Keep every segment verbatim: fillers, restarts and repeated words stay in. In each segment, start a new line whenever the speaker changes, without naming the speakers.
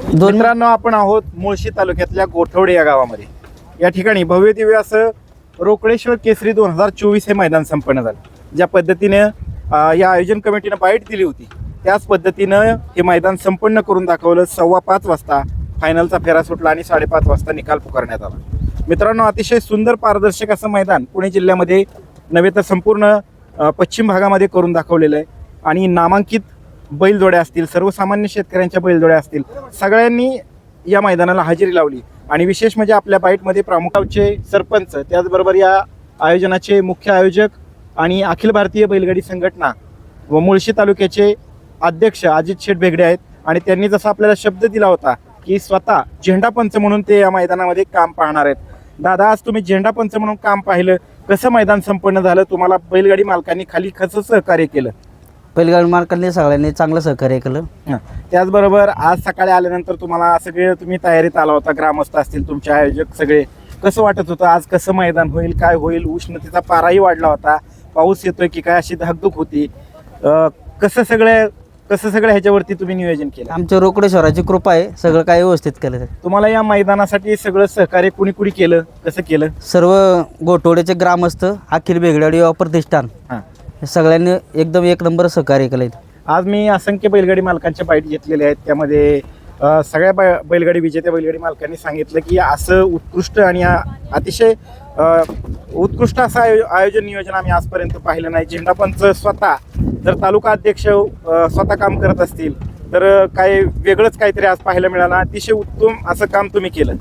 मित्रांनो, आपण आहोत मुळशी तालुक्यातल्या गोठवडे या गावामध्ये. या ठिकाणी भव्य दिव्य असं रोकडेश्वर केसरी दोन हजार चोवीस हे मैदान संपन्न झालं. ज्या पद्धतीने या आयोजन कमिटीनं बाईट दिली होती त्याच पद्धतीनं हे मैदान संपन्न करून दाखवलं. सव्वा पाच वाजता फायनलचा फेरा सुटला आणि साडेपाच वाजता निकाल पुकारण्यात आला. मित्रांनो, अतिशय सुंदर पारदर्शक असं मैदान पुणे जिल्ह्यामध्ये नव्हे तर संपूर्ण पश्चिम भागामध्ये करून दाखवलेलं आहे. आणि नामांकित बैलजोड्या असतील, सर्वसामान्य शेतकऱ्यांच्या बैलजोड्या असतील, सगळ्यांनी या मैदानाला हजेरी लावली. आणि विशेष म्हणजे आपल्या बाईटमध्ये प्रामुख्याचे सरपंच, त्याचबरोबर या आयोजनाचे मुख्य आयोजक आणि अखिल भारतीय बैलगाडी संघटना व मुळशी तालुक्याचे अध्यक्ष अजित शेठ बेगडे आहेत. आणि त्यांनी जसा आपल्याला शब्द दिला होता की स्वतः झेंडापंच म्हणून ते या मैदानामध्ये काम पाहणार आहेत. दादा, आज तुम्ही झेंडापंच म्हणून काम पाहिलं, कसं मैदान संपन्न झालं? तुम्हाला बैलगाडी मालकांनी खाली कसं सहकार्य केलं?
बैलगाडी मालकांनी सगळ्यांनी चांगलं सहकार्य केलं.
त्याचबरोबर आज सकाळी आल्यानंतर तुम्हाला सगळे तुम्ही तयारीत आला होता, ग्रामस्थ असतील, तुमचे आयोजक सगळे, कसं वाटत होतं आज कसं मैदान होईल, काय होईल? उष्णतेचा पाराही वाढला होता, पाऊस येतोय की काय अशी धाकधूक होती. कसं सगळं कसं सगळं ह्याच्यावरती तुम्ही नियोजन केलं?
आमच्या रोकडेश्वराची कृपा आहे, सगळं काही व्यवस्थित केलं.
तुम्हाला या मैदानासाठी सगळं सहकार्य कुणी कुणी केलं, कसं केलं?
सर्व गोठवड्याचे ग्रामस्थ, अखिल बेगडे प्रतिष्ठान, सगळ्यांनी एकदम एक नंबर सहकार्य केलं.
आज मी असंख्य बैलगाडी मालकांच्या बाईट घेतलेल्या आहेत. त्यामध्ये सगळ्या बै बैलगाडी विजेत्या बैलगाडी मालकांनी सांगितलं की असं उत्कृष्ट आणि अतिशय उत्कृष्ट असं आयो आयोजन नियोजन आम्ही आजपर्यंत पाहिलं नाही. झेंडापंच स्वतः जर तालुका अध्यक्ष स्वतः काम करत असतील तर काय वेगळंच काहीतरी आज पाहायला मिळालं. अतिशय उत्तम असं काम तुम्ही केलं.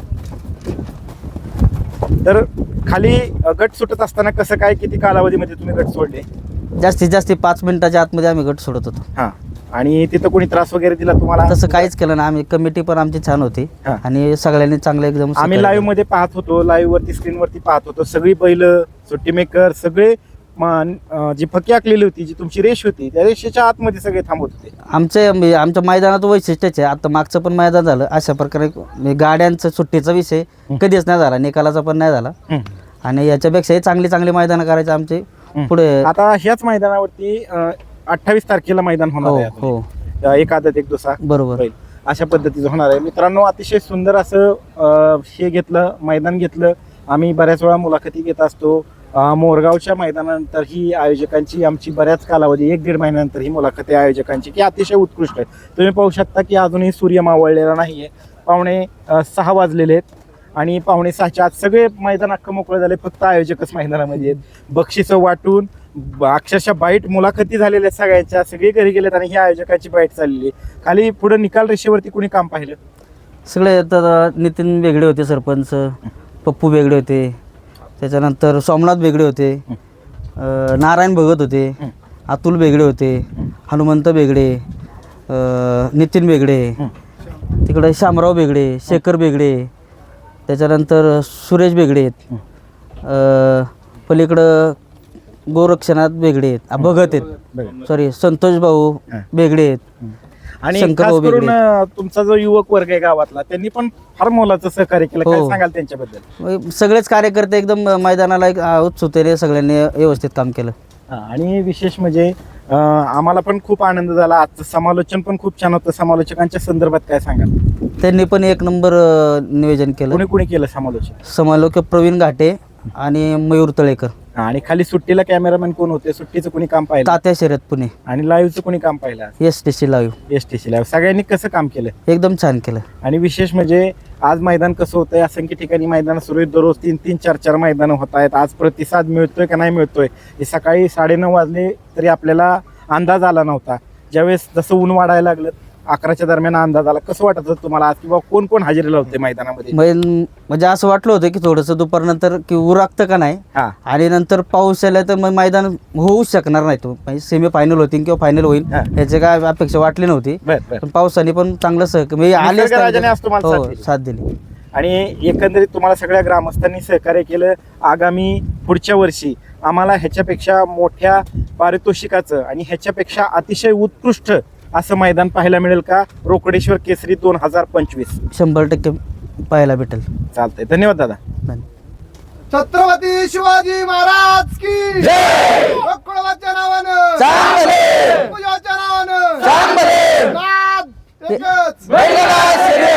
तर खाली गट सुटत असताना कसं काय, किती कालावधीमध्ये तुम्ही गट सोडले?
जास्तीत जास्त पाच मिनिटाच्या आतमध्ये आम्ही गट सोडत होतो.
हां. आणि तिथं कोणी त्रास वगैरे दिला तुम्हाला?
तसं काहीच केलं ना. आम्ही कमिटी पण आमची छान होती आणि सगळ्यांनी चांगलं एकदम.
आम्ही लाईव्ह मध्ये पाहत होतो, लाईव्ह वरती स्क्रीनवरती पाहत होतो, सगळी बैल, सुट्टी मेकर, सगळे जी फकी आखलेली होती, जी तुमची रेष होती, त्या रेषेच्या आतमध्ये सगळे थांबत होते.
आमचे आमच्या मैदानात वैशिष्ट्यच आहे. आता मागचं पण मैदान झालं अशा प्रकारे. गाड्यांचं सुट्टीचा विषय कधीच नाही झाला, निकालाचा पण नाही झाला. आणि याच्यापेक्षाही चांगली चांगली मैदानं करायचे आमचे पुढे.
आता ह्याच मैदानावरती अठ्ठावीस तारखेला मैदान होणार आहे. हो, एक आदत एक दुसरा, बरोबर, अशा पद्धतीचं होणार आहे. मित्रांनो, अतिशय सुंदर असं हे घेतलं, मैदान घेतलं. आम्ही बऱ्याच वेळा मुलाखती घेत असतो. मोरगावच्या मैदानानंतर ही आयोजकांची आमची बऱ्याच कालावधी, एक दीड महिन्यानंतर ही मुलाखती आयोजकांची की अतिशय उत्कृष्ट आहे. तुम्ही पाहू शकता की अजूनही सूर्य मावळलेला नाही आहे. पावणे सहा वाजलेले आहेत आणि पावणे सहाच्या आत सगळे मैदान अख्खं मोकळं झाले. फक्त आयोजकच मैदानामध्ये आहेत. बक्षिसं वाटून अक्षरशः बाईट मुलाखती झालेल्या सगळ्यांच्या, सगळे घरी गेलेत आणि ही आयोजकाची बाईट चाललेली. खाली पुढे निकाल रेषेवरती कुणी काम पाहिलं?
सगळे. तर नितीन बेगडे होते सरपंच, पप्पू बेगडे होते, त्याच्यानंतर सोमनाथ बेगडे होते, नारायण भगत होते, अतुल बेगडे होते, हनुमंत बेगडे, नितीन बेगडे, तिकडे शामराव बेगडे, शेखर बेगडे, त्याच्यानंतर सुरेश बेगडे आहेत, पलीकडं गोरक्षनाथ बेगडे आहेत, भगत आहेत, सॉरी संतोष भाऊ बेगडे आहेत.
आणि खास करून तुमचा जो युवक वर्ग आहे गावातला, त्यांनी पण फार मोलाचं सहकार्य केलं. काय सांगाल त्यांच्याबद्दल?
सगळेच कार्यकर्ते एकदम मैदानाला एक उत्सुकतेने सगळ्यांनी व्यवस्थित काम केलं.
आणि विशेष म्हणजे आम्हाला पण खूप आनंद झाला. आजचं समालोचन पण खूप छान होतं. समालोचकांच्या संदर्भात काय सांगाल?
त्यांनी पण एक नंबर नियोजन केलं.
कोणी कोणी केलं समालोचन?
समालोचक प्रवीण घाटे आणि मयूर तळेकर.
आणि खाली सुट्टीला कॅमेरामॅन कोण होते? सुट्टीचं कोणी काम पाहिलं?
तात्या शर्यत पुणे.
आणि लाईव्हचं कोणी काम पाहिलं?
S T C live.
S T C live. सगळ्यांनी कसं काम केलं?
एकदम छान केलं.
आणि विशेष म्हणजे आज मैदान कसं होतंय, असंख्य ठिकाणी मैदान सुरू आहेत. दररोज तीन तीन चार चार मैदानं होत आहेत. आज प्रतिसाद मिळतोय का नाही मिळतोय हे सकाळी साडेनऊ वाजले तरी आपल्याला अंदाज आला नव्हता. ज्यावेळेस जसं ऊन वाढायला लागलं अकराच्या दरम्यान अंदाज आला. कसं वाटत होतं तुम्हाला आज, किंवा कोण कोण हजेरी लावते मैदानामध्ये?
म्हणजे असं वाटलं होतं की थोडंसं दुपारनंतर की उरागतं का नाही, आणि नंतर पाऊस आला तर मग मैदान होऊच शकणार नाही. तो सेमी फायनल होती किंवा फायनल होईल याची काय अपेक्षा वाटली नव्हती. पण पावसाने पण चांगलं सहकार्य आले, साथ दिली.
आणि एकंदरीत तुम्हाला सगळ्या ग्रामस्थांनी सहकार्य केलं. आगामी पुढच्या वर्षी आम्हाला ह्याच्यापेक्षा मोठ्या पारितोषिकाचं आणि ह्याच्यापेक्षा अतिशय उत्कृष्ट असं मैदान पाहायला मिळेल का? रोकडेश्वर केसरी दोन हजार पंचवीस
शंभर टक्के पाहायला भेटेल.
चालतंय. धन्यवाद दादा.
छत्रपती शिवाजी महाराज की जय. रोकडाच्या नावानं, नावानं, नाद एकच.